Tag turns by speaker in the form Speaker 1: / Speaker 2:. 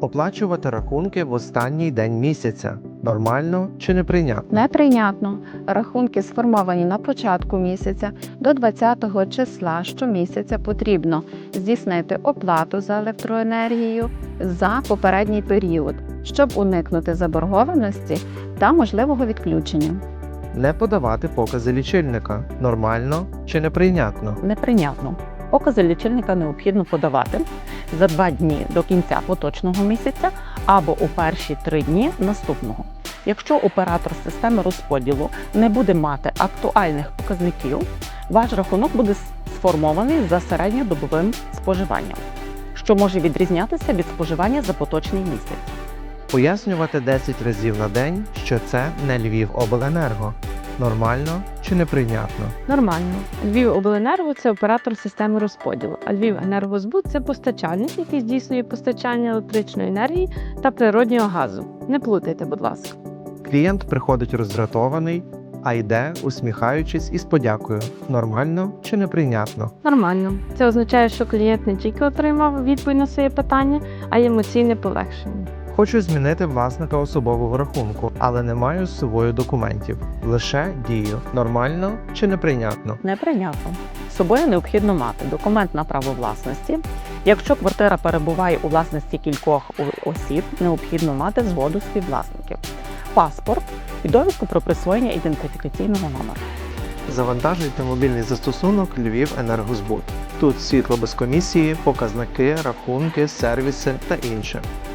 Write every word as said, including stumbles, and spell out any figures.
Speaker 1: Оплачувати рахунки в останній день місяця. Нормально чи неприйнятно?
Speaker 2: Неприйнятно. Рахунки, сформовані на початку місяця, до двадцятого числа щомісяця потрібно здійснити оплату за електроенергію за попередній період, щоб уникнути заборгованості та можливого відключення.
Speaker 1: Не подавати покази лічильника. Нормально чи неприйнятно?
Speaker 3: Неприйнятно. Покази лічильника необхідно подавати за два дні до кінця поточного місяця або у перші три дні наступного. Якщо оператор системи розподілу не буде мати актуальних показників, ваш рахунок буде сформований за середньодобовим споживанням, що може відрізнятися від споживання за поточний місяць.
Speaker 1: Пояснювати десять разів на день, що це не Львівобленерго. Нормально чи неприйнятно?
Speaker 4: Нормально. Львівобленерго – це оператор системи розподілу, а Львівенергозбут – це постачальник, який здійснює постачання електричної енергії та природнього газу. Не плутайте, будь ласка.
Speaker 1: Клієнт приходить роздратований, а йде, усміхаючись і з подякою. Нормально чи неприйнятно?
Speaker 4: Нормально. Це означає, що клієнт не тільки отримав відповідь на своє питання, а й емоційне полегшення.
Speaker 1: Хочу змінити власника особового рахунку, але не маю з собою документів. Лише дію. Нормально чи неприйнятно?
Speaker 3: Неприйнятно. З собою необхідно мати документ на право власності. Якщо квартира перебуває у власності кількох осіб, необхідно мати згоду співвласників. Паспорт і довідку про присвоєння ідентифікаційного номера.
Speaker 1: Завантажуйте мобільний застосунок Львівенергозбут. Тут світло без комісії, показники, рахунки, сервіси та інше.